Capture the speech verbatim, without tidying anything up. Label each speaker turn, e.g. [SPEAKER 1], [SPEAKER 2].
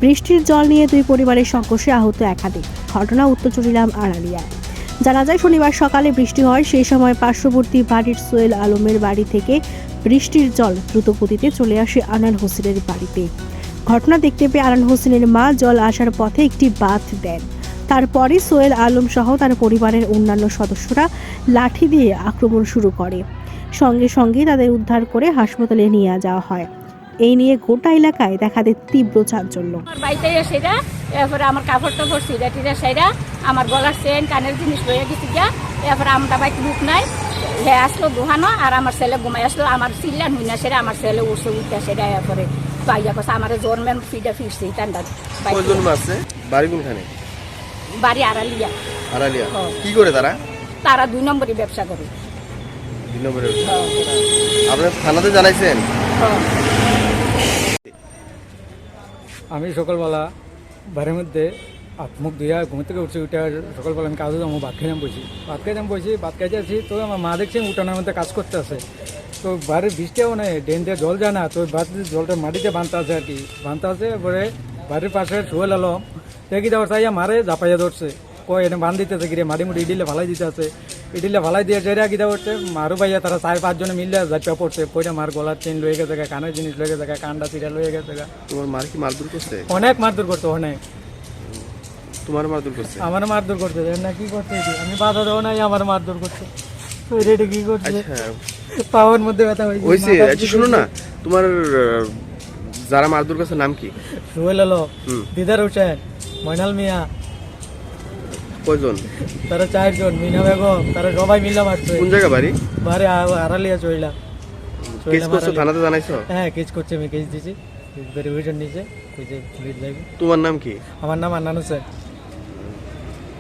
[SPEAKER 1] বৃষ্টির জল নিয়ে দুই পরিবারের সংঘর্ষে আহত একাধিক। ঘটনা উত্তর চরিলাম আড়ালিয়ায়। জানা যায় শনিবার সকালে বৃষ্টি হয়, সেই সময় পার্শ্ববর্তী বাড়ির সোহেল আলমের বাড়ি থেকে বৃষ্টির জল দ্রুত গতিতে চলে আসে আনান হোসেনের বাড়িতে। ঘটনা দেখতে পেয়ে আনান হোসেনের মা জল আসার পথে একটি বাঁধ দেন। তারপরে সোহেল আলম সহ তার পরিবারের অন্যান্য সদস্যরা লাঠি দিয়ে আক্রমণ শুরু করে। সঙ্গে সঙ্গে তাদের উদ্ধার করে হাসপাতালে নিয়ে যাওয়া হয়। এই নিয়ে গোটা এলাকায় দেখা দেয় তীব্র চাঞ্চল্য।
[SPEAKER 2] আমার বাড়িতে সেটা, এরপরে আমার কাপড় টাপড় সিরা টিরা সেরা, আমার গলার চেন কানের জিনিস লইয়া গেছি গিয়া। এরপরে আমরা বাড়িতে বুক নাই, হে আসলো দোহানো, আর আমার ছেলে ঘুমাই আসলো। আমার চিল্লা নুই না সেটা, আমার ছেলে উঠছে উঠতে সেটা। এরপরে পাইয়া কথা আমার জন্মের ফিটা ফিরছি ঠান্ডা।
[SPEAKER 3] বাড়ি কোনখানে?
[SPEAKER 2] বাড়ি আড়ালিয়া।
[SPEAKER 3] আড়ালিয়া। কি করে তারা?
[SPEAKER 2] তারা দুই নম্বরই ব্যবসা করে।
[SPEAKER 3] দুই নম্বরে আপনারা থানাতে জানাইছেন?
[SPEAKER 4] আমি সকালবেলা বাড়ির মধ্যে হাত মুখ ধুইয়া ঘুম থেকে উঠছি, উঠে সকালবেলা আমি কাজে যাবো, ভাত খেয়ে বসি ভাত খেয়ে যাম বসি ভাত খাইতে আছি। তো আমার মা দেখছি উঠানের মধ্যে কাজ করতে আছে। তো বাড়ির বৃষ্টিও নেই, ড্রেন দিয়ে জল যায় না। তো বাড়িতে জলটা মাটিতে বাঁধতে আছে আর কি, বাঁধতে আছে। পরে বাড়ির পাশে সোহেল আলম দেখি দেওয়ার চাইয়া মারে ঝাপাইয়া ধরছে, কয় এনে বান দিতেছে গিয়ে মাটি মুটি ইডিলে ভালাই দিতে আছে। ইডিলে ভালাই দিয়ে যেটা গিয়ে করছে মারু ভাইয়া, তারা চার পাঁচজনে মিললে ঝাপিয়া পড়ছে। কইটা মার গলার চেন লয়ে গেছে, কানের জিনিস লয়ে গেছে, কানটা চিরা লয়ে গেছে।
[SPEAKER 3] তোমার মার কি মারধর করছে?
[SPEAKER 4] অনেক মারধর করতো, অনেক।
[SPEAKER 3] তোমার মারধর করছে?
[SPEAKER 4] আমার মারধর করছে না, কি করছে আমি বাধা দেবো নাই, আমার মারধর করছে। রেটে কি করছে, পাওয়ার মধ্যে ব্যথা
[SPEAKER 3] হয়েছে। আচ্ছা শুনো না, তোমার যারা মারধর করছে নাম কি?
[SPEAKER 4] সোহেল আলম, দিদার হোসেন, ময়নাল মিয়া।
[SPEAKER 3] কয়জন?
[SPEAKER 4] তারা চারজন, মিনা বেগম, তারা সবাই মিলে মারছে।
[SPEAKER 3] কোন জায়গা বাড়ি?
[SPEAKER 4] বাড়ি আড়ালিয়া চইলা।
[SPEAKER 3] কেস করছো, থানাতে জানাইছো?
[SPEAKER 4] হ্যাঁ কেস করছে, আমি কেস দিছি, ভেরিফিকেশন নিয়েছে।
[SPEAKER 3] তোমার নাম কি?
[SPEAKER 4] আমার নাম আন্নান হোসেন।